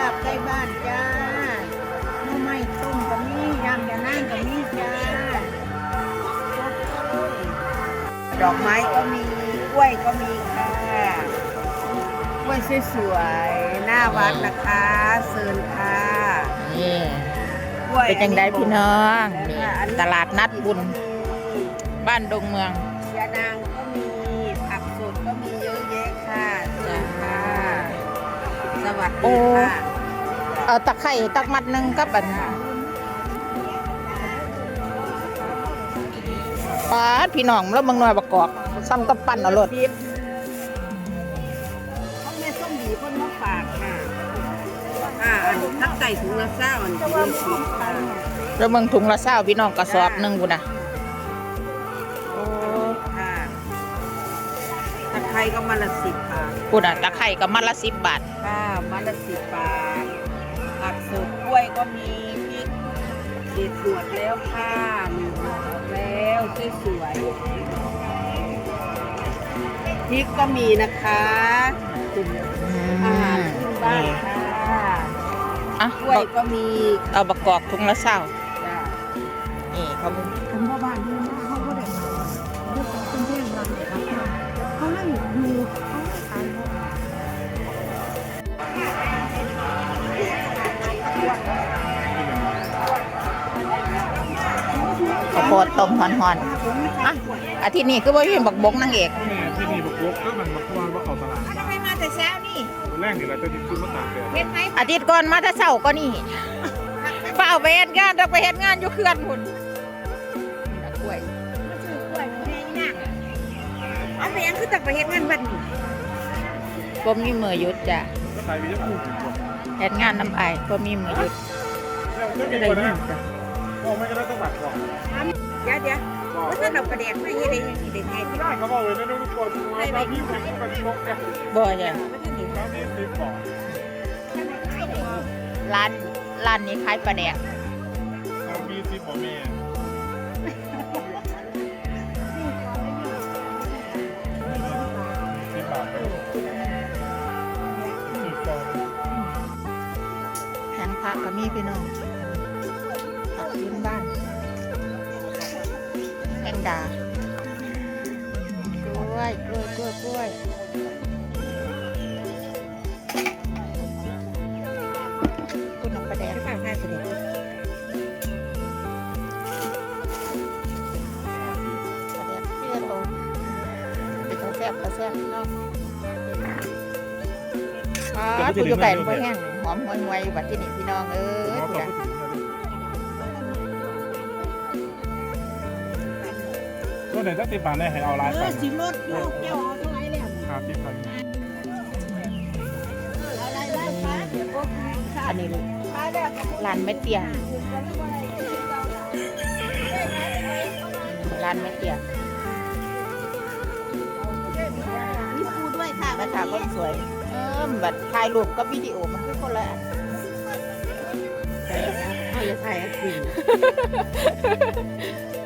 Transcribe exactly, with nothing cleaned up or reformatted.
บใกล้บ้านจ้าหน่อไม้ต้มก็มียำยานั่งก็มีจ้าดอกไม้ก็มีกล้วยก็มีค่ะกล้วยสวยๆหน้าวัดนะคะเซินค่ะนี่เป็นจังไดพี่น้องนี่ตลาดนัดบุญบ้านดงเมืองยานางก็มีผักสดก็มีเยอะแยะค่ะเชิญค่ะสวัสดีค่ะเอาตะไคร่ตักมัดหนึ่งกับอันปาดพี่น้องแล้วบางหน่วยประกอบซ้ำกับปั้นเอารถเขาแม่ส้มดีคนมาฝากค่ะอ่าอันทักไก่ถุงละเศร้าอันถุงละสิบค่ะแล้วเมืองถุงละเศร้าพี่น้องกระสอบหนึ่งกูนะโอ้ค่ะตะไคร้ก็มาละสิบบาทกูนะตะไคร่ก็มัดละสิบบาทค่ะมาละสิบบาทผักสดกล้วยก็มีพริกสีสวดแล้วค่ะมีหมดแล้วสวยๆพริกก็มีนะคะอาหารพื้นบ้านค่ะกล้วยก็มีเอาประกอบถุงละเศร้าจ้านี่เขาเป็นผมพ่อบ้านที่มาเขาก็ได้เลือกเป็นเพื่อนเราเขาให้ดูเขาขายข้าวโพดต้มหอนๆอ่ะอาทิตย์นี้คือว่าเป็นบักบกนางเอกที่นี่บักบกก็มันบักวานบักเขาตลาดทำไมมาแต่เช้านี่แรกนี่แหละจะซื้อมาตากแดดเห็นไหมอาทิตย์ก่อนมาแต่เช้าก็นี่เปล่าไปเฮ็ดงานต้องไปเฮ็ดงานอยู่เขื่อนพุ่นกล้วยมาซื้อกล้วยแม่นี่นะเอาไปยังคือต้องไปเฮ็ดงานวันนี้ก็มีมือหยุดจ้ะก็ขายไปจะพูดถึงก่อนเฮ็ดงานน้ำไอก็มีมือหยุดจะได้ยินจ้ะโอ้ไม่ก็ได้ต้องบัตรก่อนเดี๋ยวเดี๋ยวว่าถ้าเราประเด็นไม่ให้ได้ยังได้ไงที่ได้เขาบอกเลยนะทุกคนว่าพี่ผมเป็นชกกันบ่จ้ะนี่ซื้อของร้านร้านนี้ขายปลาแดกมีซีของแม่สิบบาทแผงผักก็มีพี่น้องผักพื้นบ้านแมงดากล้วยกล้วยกล้วยกล้วยคุณเอาปลาแดกฝากให้สิปลาแดกเปรี้ยวเป็นแซ่บกระแซ่บเนาะอ๋อคุณอยู่ไก่มันแห้งหอมหวยๆแบบที่นี่พี่น้องเอ้ยก็ไหนถ้าติดบาทได้ให้เอาลายไปสิรถเจ้าเจ้าเอาเท่าไหร่แล้วห้าสิบพันอะไรได้ป้าเดี๋ยวก็อันนี้ร้านแม่เตี้ยร้านแม่เตี้ยมีปูด้วยค่ะแม่ค้าคนสวยเออแบบถ่ายรูปกับวิดีโอมันคือคนละอันเอาอย่าถ่ายอ่ะสิ